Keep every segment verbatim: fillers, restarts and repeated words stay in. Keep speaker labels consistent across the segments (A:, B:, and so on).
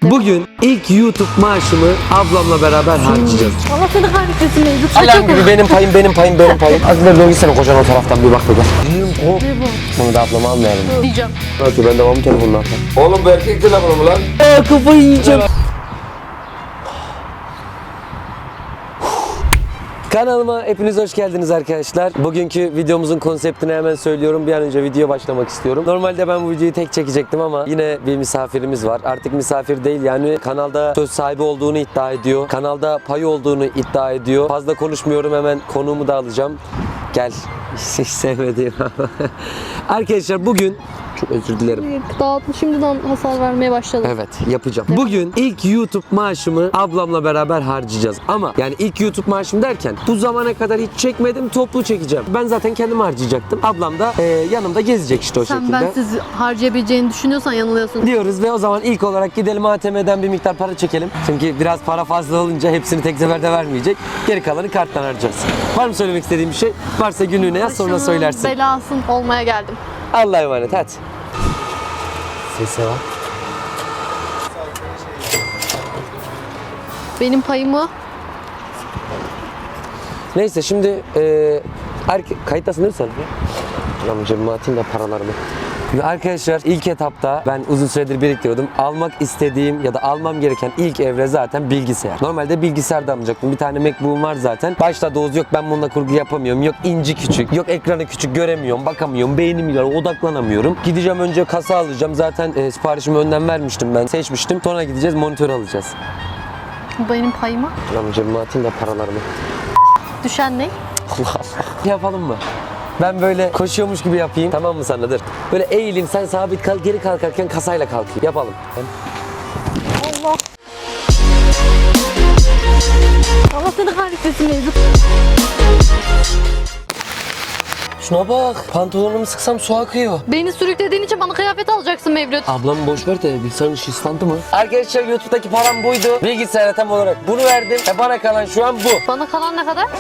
A: Bugün ilk YouTube maaşımı ablamla beraber harcayacağız.
B: Allah seni kahretmesin Mevlüt.
A: Alarm gibi benim payım, benim payım, benim payım. Azıcık dön gitsene kocan o taraftan bir bak da gel. Hop. Bunu da ablama almayalım.
B: Diyeceğim.
A: Belki ben devamlı telefonunu atarım.
C: Oğlum bu erkek telefonu mu lan?
A: Aa, kafayı yiyeceğim. Kanalıma hepiniz hoş geldiniz arkadaşlar. Bugünkü videomuzun konseptini hemen söylüyorum. Bir an önce video başlamak istiyorum. Normalde ben bu videoyu tek çekecektim ama yine bir misafirimiz var. Artık misafir değil, yani kanalda söz sahibi olduğunu iddia ediyor. Kanalda payı olduğunu iddia ediyor. Fazla konuşmuyorum, hemen konuğumu da alacağım. Gel. Hiç sevmediğim. Arkadaşlar bugün çok özür dilerim.
B: Dağıtlı şimdiden hasar vermeye başladı.
A: Evet, yapacağım. Bugün ilk YouTube maaşımı ablamla beraber harcayacağız. Ama yani ilk YouTube maaşım derken bu zamana kadar hiç çekmedim, toplu çekeceğim. Ben zaten kendim harcayacaktım. Ablam da e, yanımda gezecek işte o
B: Sen
A: şekilde.
B: ben siz harcayabileceğini düşünüyorsan yanılıyorsun.
A: Diyoruz ve o zaman ilk olarak gidelim A T M'den bir miktar para çekelim. Çünkü biraz para fazla olunca hepsini tek seferde vermeyecek. Geri kalanı karttan harcayacağız. Var mı söylemek istediğim bir şey? Varsa günlüğüne yaz, sonra
B: Başımın
A: söylersin.
B: belasın olmaya geldim.
A: Allah'a emanet, hadi. Sese bak.
B: Benim payımı
A: Neyse şimdi e, erke- kayıttasın değil mi sen? Lan cebime atayım da paralarımı. Şimdi arkadaşlar ilk etapta ben uzun süredir biriktiriyordum. Almak istediğim ya da almam gereken ilk evre zaten bilgisayar. Normalde bilgisayar da almayacaktım. Bir tane MacBook'um var zaten. Başta Doğuz yok ben bununla kurgu yapamıyorum. Yok inci küçük. Yok ekranı küçük göremiyorum. Bakamıyorum. Beynim yiyor. Odaklanamıyorum. Gideceğim önce kasa alacağım. Zaten e, siparişimi önden vermiştim ben. Seçmiştim. Sonra gideceğiz monitör alacağız.
B: benim payımı
A: Lan cebime atayım da paralarımı.
B: düşen ne?
A: Allah Allah. Yapalım mı? Ben böyle koşuyormuş gibi yapayım. Tamam mı sana? Dur. Böyle eğileyim, sen sabit kal, geri kalkarken kasayla kalkayım. Yapalım.
B: Allah. Allah seni kahretmesin Mevlüt.
A: Şuna bak. Pantolonumu sıksam su akıyor.
B: Beni sürüklediğin için bana kıyafet alacaksın Mevlüt.
A: Ablamı boş ver de bilgisayarın işi ıslandı mı? Arkadaşlar YouTube'daki param buydu. Bilgisayara tam olarak bunu verdim. E bana kalan şu an bu.
B: Bana kalan ne kadar?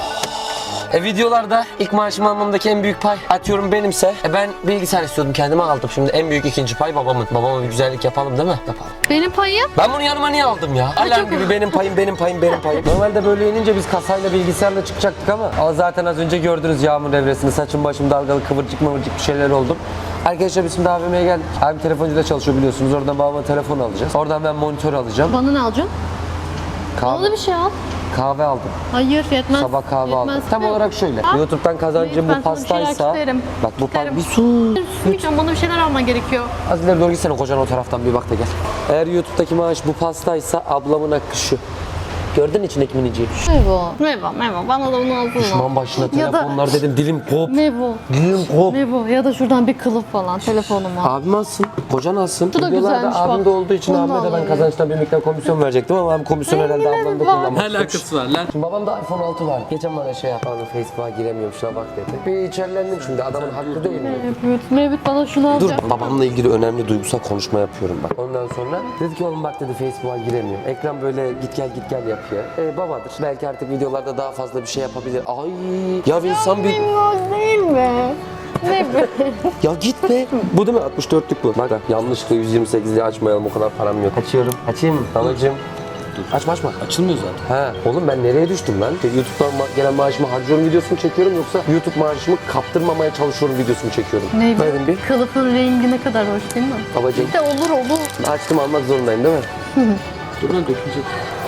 A: E videolarda ilk maaşımı almamdaki en büyük pay atıyorum benimse. E ben bilgisayar istiyordum, kendime aldım. Şimdi en büyük ikinci pay babamın. Babama bir güzellik yapalım değil mi? Yapalım.
B: Benim payım?
A: Ben bunu yanıma niye aldım ya?
B: Ay,
A: Alarm
B: çok-
A: gibi benim payım, benim payım, benim payım. Normalde böyle inince biz kasayla bilgisayarla çıkacaktık ama ama zaten az önce gördünüz yağmur evresini. Saçım başım dalgalı, kıvırcık mıvırcık bir şeyler oldum. Arkadaşlar biz şimdi A V M'ye geldik. Abim telefoncuda çalışıyor biliyorsunuz. Oradan babama telefon alacağız. Oradan ben monitör alacağım.
B: Bana ne alacaksın? Bana da
A: Kahve,
B: bir şey al.
A: kahve aldım.
B: Hayır yetmez.
A: Sabah kahve aldım.
B: Yetmez.
A: Tam olarak şöyle.
B: Ha?
A: YouTube'dan kazancım
B: Ben
A: bu
B: sana bir şeyler
A: pastaysa.
B: isterim.
A: Bak bu pa-
B: İsterim.
A: bir su.
B: Lütfen bana bir şeyler alman gerekiyor.
A: Az ileri doğru gitsene kocan o taraftan bir bak da gel. Eğer YouTube'daki maaş bu pastaysa ablamın hakkı şu. Gördün içindeki miniciyi.
B: Mevo. Mevo, Mevo. Bana da bunu alsana.
A: Düşman başına
B: Ya da-
A: telefonlar dedim, dilim kop.
B: Mevo.
A: Dilim kop.
B: Mevo ya da şuradan bir kılıf falan telefonuma.
A: Abim alsın, kocan alsın.
B: Bu da
A: Videolarda
B: güzelmiş
A: abim
B: bak.
A: de olduğu için
B: Bunu
A: abime de ben
B: alalım.
A: kazançtan bir miktar komisyon verecektim ama abim komisyon herhalde
B: Aynen,
A: ablam da
B: bak.
A: kullanmak
C: Ne
A: istemiş.
C: alakası var lan?
A: Şimdi babam da iPhone altı var. Geçen bana şey yaptı. Abi Facebook'a giremiyorum şuna bak dedi. Bir içerlendim şimdi, adamın hakkı değil mi?
B: Mevlüt, Mevlüt bana şunu
A: Dur,
B: alacak.
A: babamla ilgili önemli duygusal konuşma yapıyorum bak. Ondan sonra dedi ki oğlum bak dedi Facebook'a giremiyorum. Ekran böyle git gel git gel yapıyor. E babadır. Belki artık videolarda daha fazla bir şey yapabilir. Ay ya bir insan bir...
B: Minnoş değil mi? Ne be?
A: Ya git be. Bu değil mi? altmış dörtlük bu. Bak yanlışlıkla yüz yirmi sekizliği açmayalım, o kadar param yok. Açıyorum. Açayım mı? Anacığım. Açma açma.
C: Açılmıyor zaten.
A: He. Oğlum ben nereye düştüm lan? YouTube'dan ma- gelen maaşımı harcıyorum videosunu çekiyorum, yoksa YouTube maaşımı kaptırmamaya çalışıyorum videosunu çekiyorum.
B: Ne be?
A: Verin bir.
B: Kılıfın rengi ne kadar hoş değil mi?
A: Babacığım.
B: De olur olur.
A: Açtım, almak zorundayım değil mi?
C: Dur lan dökülecek.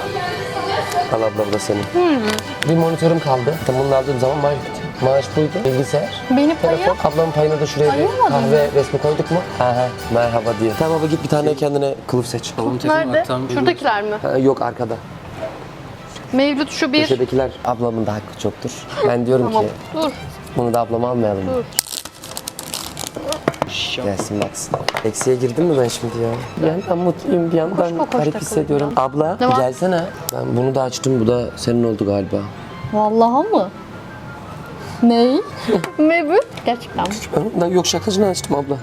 A: Al ablam da senin. Bir monitörüm kaldı. Tam bunu aldığım zaman maaş bitti. Maaş buydu. Bilgisayar.
B: Benim
A: Telefon.
B: payım.
A: Ablamın payına da şuraya bir
B: Ayırmadın
A: kahve resmi koyduk mu? Aha, merhaba diye. Tamam baba git bir tane kendine kılıf seç.
C: Babamın telefonu
B: Nerede?
C: aktarım.
B: Şuradakiler mi?
A: Ha, yok arkada.
B: Mevlüt şu bir.
A: Köşedekiler. Ablamın da hakkı çoktur. Ben diyorum
B: Tamam.
A: ki
B: Dur.
A: bunu da ablama almayalım.
B: Dur.
A: Gelsin baksın. Eksiye girdim mi ben şimdi ya? Bir yandan mutluyum, bir yandan
B: Koş, koş,
A: garip
B: koş,
A: hissediyorum.
B: koş.
A: Abla
B: Ne var?
A: gelsene. Ben bunu da açtım, bu da senin oldu galiba.
B: Vallahi mı? Ney? Mevlüt. Gerçekten mi?
A: Ben yok şakacını açtım abla.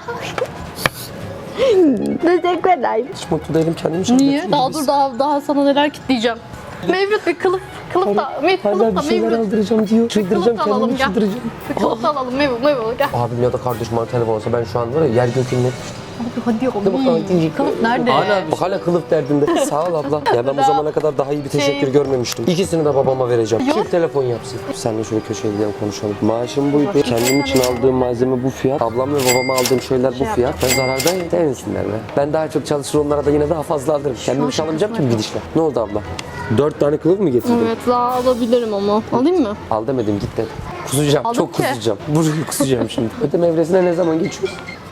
B: Teşekkür ederim.
A: Hiç mutlu değilim, kendimi şaka
B: Niye? Daha dur daha daha sana neler kitleyeceğim. Mevlüt bir kılıf. Kılıf da. Mevlüt
A: Hala
B: kılıf da
A: bir şeyler
B: Mevlüt.
A: aldıracağım diyor. Çıldıracağım,
B: Kılıf da alalım
A: kendimi
B: gel.
A: çıldıracağım.
B: Bir kılıf da alalım Mevlüt. Mevlüt gel.
A: Abim ya da kardeşim bana telefon olsa ben şu an var ya yer gökünün
B: Hadi hadi
A: Hadi bakalım.
B: oğlum. Kılıf nerede?
A: Hala, bak hala kılıf derdinde. Sağ ol abla. Ya ben bu zamana kadar daha iyi bir teşekkür
B: Şey-
A: görmemiştim. İkisini de babama vereceğim.
B: Yok.
A: Kim telefon yapsın? Seninle şöyle köşeye gidelim konuşalım. Maaşım buydu. Kendim için aldığım malzeme bu fiyat. Ablam ve babama aldığım şeyler bu
B: Şey
A: fiyat. Ben zarardayım. Demesinler be. Ben daha çok çalışır onlara da yine daha fazla alırım. Kendim çalamayacağım ki bir gidişle. Ne oldu abla? Dört tane kılıf mı getirdin?
B: Evet daha alabilirim ama. Alayım mı?
A: Al demedim git dedim. Kusacağım.
B: Aldım
A: çok
B: ki.
A: kusacağım. Burayı kusacağım şimdi. Ödeme evresine ne zaman geçiyoruz?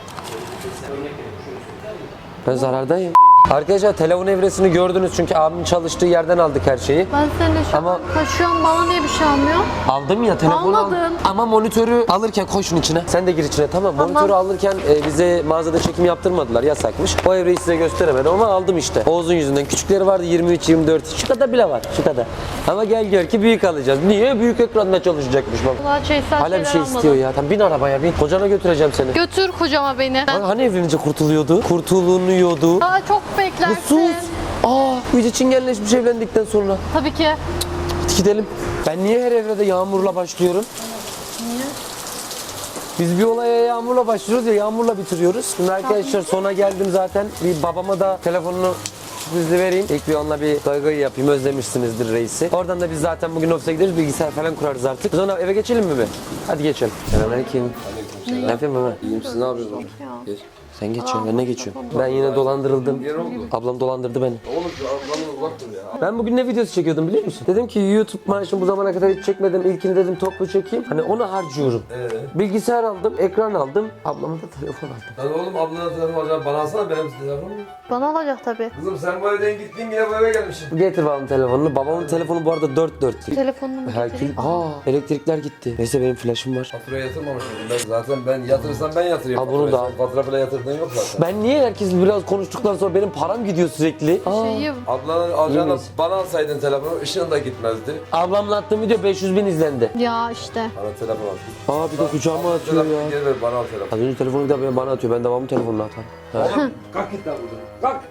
A: Ben zarardayım. Arkadaşlar telefon evresini gördünüz çünkü abimin çalıştığı yerden aldık her şeyi.
B: Ben seninle şu
A: Ama-
B: an taşıyorum, bana niye bir şey almıyor?
A: Aldım ya telefonu al-
B: Almadın.
A: Ama monitörü alırken koy şunun içine. Sen de gir içine tamam.
B: Tamam.
A: Monitörü alırken e, bize mağazada çekim yaptırmadılar yasakmış. O evreyi size gösteremedim ama aldım işte. Oğuz'un yüzünden. Küçükleri vardı yirmi üç yirmi dört. Şu kadar bile var şu kadar. Ama gel gör ki büyük alacağız. Niye? Büyük ekranda çalışacakmış baba.
B: Valla şeysel
A: Hala bir
B: şeyler
A: şey
B: almadım.
A: istiyor ya. Tamam bin arabaya bin. Kocana götüreceğim seni.
B: Götür kocama beni.
A: Hani, hani evlenince kurtuluyordu? Kurtulunuyordu.
B: Daha çok
A: Bu
B: beklersin.
A: sus. Aa, iyice çingenleşmiş evlendikten sonra.
B: Tabii ki.
A: Hadi gidelim. Ben niye her evrede yağmurla başlıyorum?
B: Niye?
A: Biz bir olaya yağmurla başlıyoruz ya yağmurla bitiriyoruz. Şimdi arkadaşlar sona geldim zaten. Bir babama da telefonunu sürprizli vereyim. İlk bir onunla bir gaygayı yapayım. Özlemişsinizdir reisi. Oradan da biz zaten bugün ofise gideriz. Bilgisayar falan kurarız artık. Sonra eve geçelim mi be? Hadi geçelim. Selamünaleyküm. Ne yapıyorsun baba?
C: İyiyim siz ne yapıyorsunuz? Geç.
A: Sen geçiyorsun ben ne geçiyorum? Ben yine dolandırıldım.
C: Ne oldu?
A: Ablam dolandırdı beni.
C: Oğlum şu ablanın uzak dur ya.
A: Ben bugün ne videosu çekiyordum biliyor musun? Dedim ki YouTube maaşımı bu zamana kadar hiç çekmedim. İlkini dedim toplu çekeyim. Hani onu harcıyorum.
C: Ee?
A: Bilgisayar aldım, ekran aldım. Ablama da telefon aldım.
C: Lan oğlum ablanın telefonu acaba bana alsana benim telefonum.
B: Bana olacak tabii.
C: Kızım sen bu evden gittin yine bu eve gelmişsin.
A: Getir babamın telefonunu. Babamın telefonu bu arada dört dört.
B: Telefonumu
A: Herkül.
B: getireyim.
A: Aa, elektrikler gitti. Neyse benim flaşım var.
C: Faturaya yatırmamışım. Ben zaten ben yatırırsam ben yatırayım.
A: Al bunu da al.
C: Sen Fatura falan yatırdığın yok zaten.
A: Ben niye herkes biraz konuştuktan sonra benim param gidiyor sürekli? Aa,
B: Şeyi
C: Ablanın alacağına
A: miyiz?
C: bana alsaydın telefonu ışığın da gitmezdi.
A: ablamla attığım video beş yüz bin izlendi.
B: ya işte.
C: Bana telefon al.
A: Aa bir de kucağıma atıyor
C: Telefonu
A: ya.
C: geri ver bana al telefonu.
A: Az önce telefonu bir de bana atıyor. Ben de babamın telefonunu atarım. Ha.
C: Oğlum kalk git lan buradan. Kalk.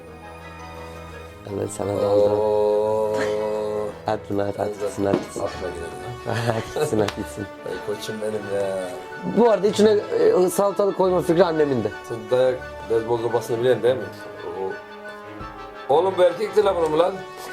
A: Evet sana da aldım.
C: Ooo.
A: At bunu at at gitsin at gitsin.
C: Atma gidelim.
A: At gitsin at gitsin.
C: Ay koçum benim ya.
A: Bu arada içine e, salatalık koyma fikri annemin de.
C: Sen dayak beyzbol sopasını biliyorsun değil mi? Oo. Oğlum bu erkek telefonu mu lan?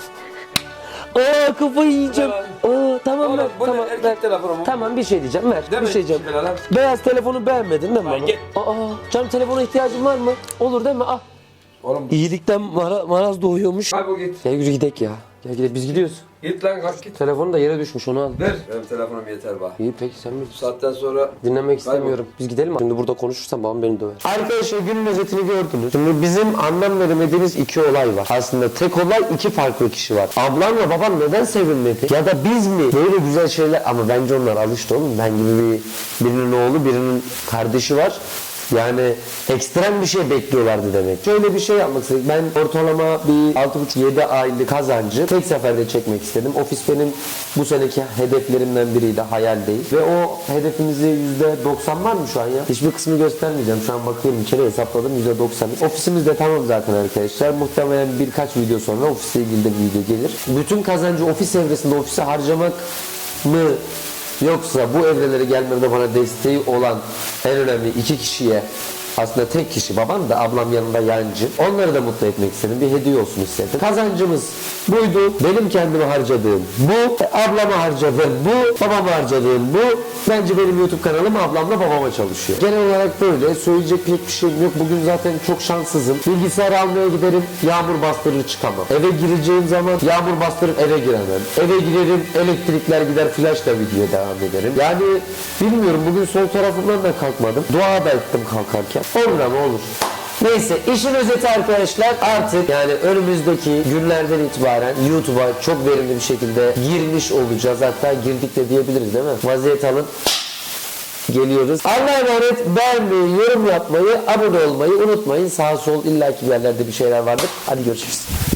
A: Aa kafayı yiyeceğim. Aa tamam
C: Oğlum
A: ver
C: bu
A: tamam
C: ne
A: ver.
C: erkek telefonu mu?
A: Tamam bir şey diyeceğim ver.
C: Değil
A: bir
C: mi?
A: şey diyeceğim.
C: Şimdi lan.
A: Beyaz telefonu beğenmedin değil mi
C: Ay,
A: baba?
C: git.
A: Aa canım telefona ihtiyacın var mı? Olur değil mi? Ah.
C: Oğlum
A: İyilikten mara, maraz doğuyormuş.
C: kaybol git.
A: Gel yürü gidek ya. Gel gidelim biz gidiyoruz.
C: Git lan kalk git.
A: Telefonu da yere düşmüş onu al.
C: Ver. Benim telefonum yeter bak.
A: İyi peki sen
C: Bu
A: bilirsin.
C: saatten sonra
A: Dinlemek istemiyorum. Biz gidelim mi? Şimdi burada konuşursam babam beni döver. Arkadaşlar günün özetini gördünüz. Şimdi bizim anlam veremediğimiz iki olay var. Aslında tek olay iki farklı kişi var. Ablam ve babam neden sevinmedi? Ya da biz mi? Böyle güzel şeyler ama bence onlar alıştı oğlum. Ben gibi bir birinin oğlu birinin kardeşi var. Yani ekstrem bir şey bekliyorlardı demek. Şöyle bir şey yapmak istedik. Ben ortalama bir altı buçuk yedi aylık kazancı tek seferde çekmek istedim. Ofis benim bu seneki hedeflerimden biriydi. Hayal değil. Ve o hedefimizi yüzde doksan var mı şu an ya? Hiçbir kısmı göstermeyeceğim. Şu an bakıyorum içeri hesapladım yüzde doksan. Ofisimiz de tamam zaten arkadaşlar. Muhtemelen birkaç video sonra ofisle ilgili de bir video gelir. Bütün kazancı ofis evresinde ofise harcamak mı? Yoksa bu evrelere gelmemde bana desteği olan en önemli iki kişiye aslında tek kişi babam da ablam yanında yancı. Onları da mutlu etmek istedim. Bir hediye olsun istedim. Kazancımız buydu. Benim kendime harcadığım bu. Ablama harcadığım bu. Babama harcadığım bu. Bence benim YouTube kanalım ablamla babama çalışıyor. Genel olarak böyle. Söyleyecek pek bir şeyim yok. Bugün zaten çok şanssızım. Bilgisayar almaya giderim. Yağmur bastırır çıkamam. Eve gireceğim zaman yağmur bastırıp eve giremem. Eve girerim. Elektrikler gider. Flashla videoya devam ederim. Yani bilmiyorum. Bugün sol tarafımdan da kalkmadım. Dua da ettim kalkarken. Olur ama olur. Neyse işin özeti arkadaşlar artık yani önümüzdeki günlerden itibaren YouTube'a çok verimli bir şekilde girmiş olacağız. Hatta girdik de diyebiliriz değil mi? Vaziyet alın. Geliyoruz. Allah'a emanet beğenmeyi, yorum yapmayı, abone olmayı unutmayın. Sağ sol illaki bir yerlerde bir şeyler vardır. Hadi görüşürüz.